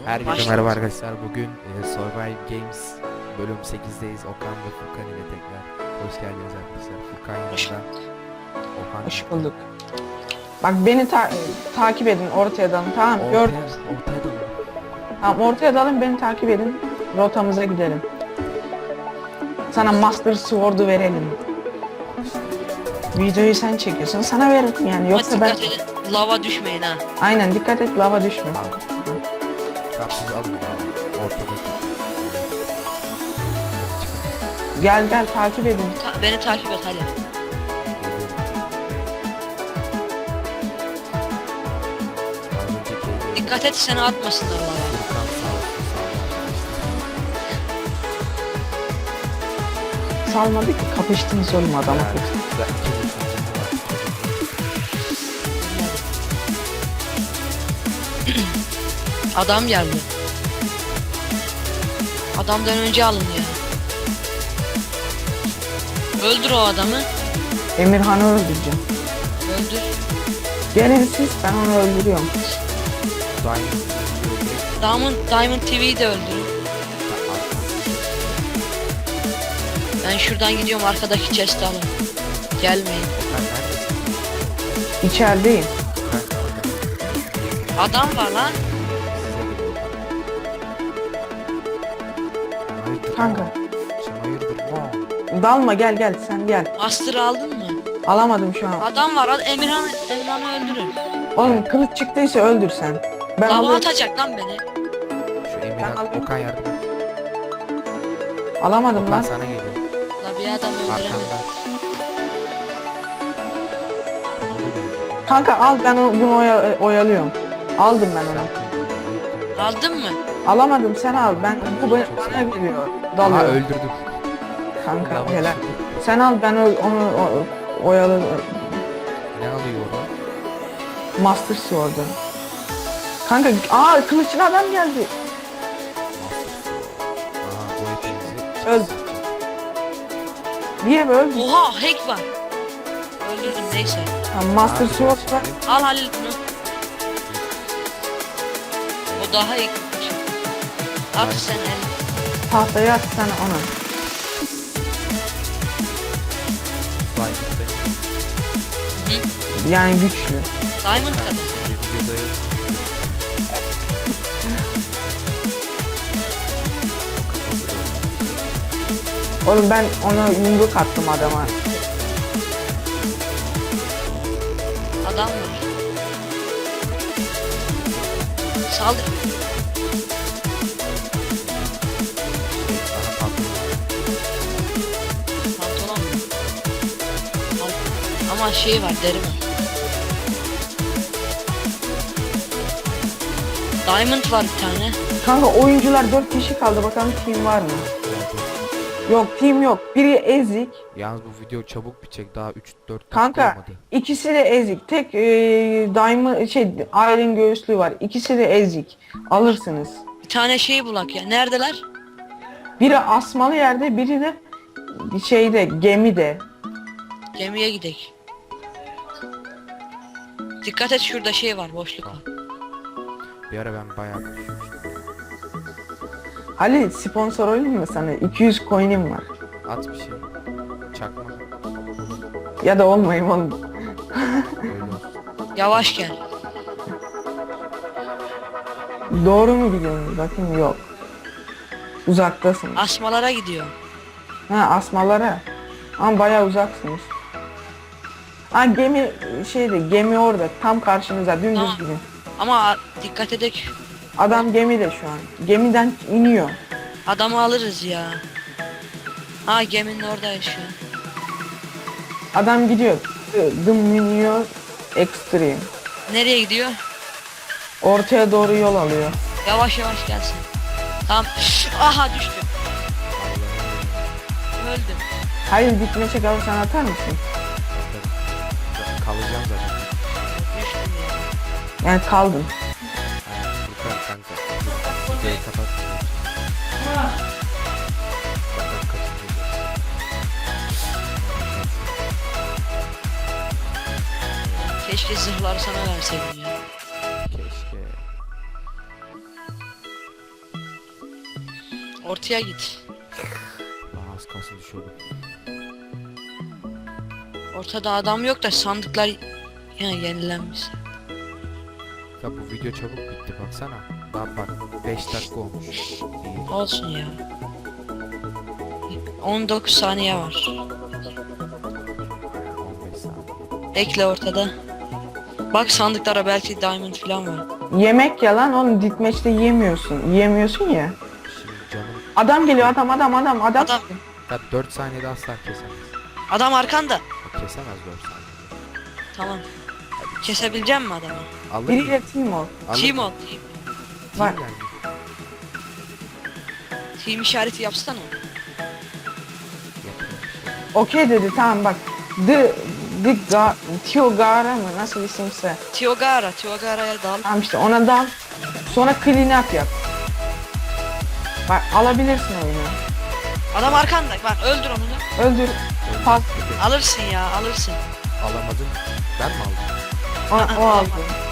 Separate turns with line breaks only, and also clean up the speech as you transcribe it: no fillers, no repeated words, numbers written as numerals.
Herkese merhaba arkadaşlar. Bugün Survive Games bölüm 8'deyiz. Okan ve Furkan ile tekrar hoş geldiniz arkadaşlar. Furkan yanında. Okan.
Hoş bulduk. Bak beni takip edin, ortaya dalın, tamam mı? Gördünüz.
Ortaya da mı?
Tamam, ortaya dalın, beni takip edin. Rotamıza gidelim. Sana Master Sword'u verelim. Videoyu sen çekiyorsun, sana veririm yani. Yoksa ben...
Dikkat edin, lava düşmeyin ha.
Aynen, dikkat et, lava düşme.
Tamam siz alın ya. Ortada.
Gel takip edin.
Beni takip et hadi. Dikkat et seni atmasınlar lava.
Furkan sağ olsun.
Salmadı ki, kapıştınız oğlum adamı.
Adam geldi. Adamdan önce alın ya. Öldür o adamı.
Emirhan'ı öldüreceğim.
Öldür.
Gelin siz, ben onu öldürüyorum.
Diamond TV'yi de öldürün. Ben şuradan gidiyorum, arkadaki chest'i alın. Gelmeyin.
İçerideyim.
Adam var lan.
Kanka.
Sen hayırdır lan?
Dalma, gel sen gel.
Master aldın mı?
Alamadım şu an.
Adam var. Emirhan'ı öldürün.
Oğlum kılıç çıktıysa öldür sen. Ben
Lava
alıyorum.
atacak lan beni.
Şu Emirhan, Okan yardım et.
Alamadım
Okan
lan.
sana geliyor.
La bir adam öldüremedim.
Arkanda.
Kanka al, ben bunu oyalıyorum. Aldım ben onu.
Aldın mı?
Alamadım, sen al. Bana geliyor.
Aha
Dalıyor.
öldürdüm.
Kanka
Lava
helal.
çıktı.
Sen al, ben onu oyalıyorum.
Ne alıyor orada?
Master Sword'u. Kanka kılıçlı adam geldi.
Aha bu hepimizi.
Öldü. Niye böyle?
Oha hack var. Öldürdüm neyse.
Master Sword var.
Al Halil bunu. O daha iyi. At sen el.
Tahtaya at sen onu. Yani güçlü.
Diamond kadar.
Oğlum ben ona yumruk attım adama.
Adam var. Saldır. Pantolon mu? Ama şey var, deri var. Diamond var bir tane.
Kanka oyuncular 4 kişi kaldı, bakalım team var mı? Yok, team yok. Biri ezik.
Yalnız bu video çabuk bitecek, daha 3-4 dakika
Kanka
olmadı.
ikisi de ezik. Tek Diamond Iron göğüslü var. İkisi de ezik. Alırsınız.
Bir tane şey bulak ya. Neredeler?
Biri asmalı yerde, biri de gemide.
Gemiye gidek. Dikkat et, şurada şey var, boşluk var.
Bir ara ben bayağı konuşmuştum.
Ali sponsor olayım mı sana? 200 coin'im var.
At bir şey. Çakma.
Ya da olmayayım oğlum.
Öyle olsun.
Yavaş gel.
Doğru mu gidiyorsun? Bakayım, yok. Uzaktasın.
Asmalara gidiyor.
Ha, asmalara. Ama bayağı uzaksınız. Ha, gemi orada, tam karşınıza, dümdüz
Tamam.
gidin.
Ama dikkat edek.
Adam gemide şu an. Gemiden iniyor.
Adamı alırız ya. Ha, geminin orada yaşıyor.
Adam gidiyor. The Minior Extreme.
Nereye gidiyor?
Ortaya doğru yol alıyor.
Yavaş yavaş gelsin. Tamam. Aha düştü. Öldüm.
Hayır, gitme çek abi, sen atar mısın?
Kalacağım zaten.
Düştüm ya.
Yani kaldın.
Aynen. Furkan kanka. Videoyu kapat. Bakalım kaçıncı
Keşke zırhları sana verseydim ya.
Keşke.
Ortaya git.
Aa, az kalsın düşüyordum.
Ortada adam yok da sandıklar yenilenmiş.
Ya bu video çabuk bitti baksana. Daha bak 5 dakika olmuş. İyi,
Olsun ya. 19 saniye var.
15 saniye.
Bekle ortada. Bak sandıklara belki diamond falan var.
Yemek yalan onu ditmeçte yiyemiyorsun. Yiyemiyorsun ya.
Şimdi canım
Adam geliyor adam.
Adam.
ya 4 saniyede asla kesemez.
Adam arkanda.
O kesemez 4 saniyede.
Tamam. Kesebileceğim mi adamı?
Alır
Biriyle
mı?
team ol.
Alır
Team
mı?
ol.
Var.
Team yani.
Team işareti yapsana.
Yapıyor bir şey.
Okey dedi tamam bak. Tiogara mı nasıl isimse.
Tiogara'ya dal.
Tamam işte ona dal. Sonra clean up yap. Bak alabilirsin oyunu.
Adam arkanda. Bak öldür onu da.
Öldür. Pas.
Alırsın ya alırsın.
Alamadın. Ben mi aldım?
O aldı.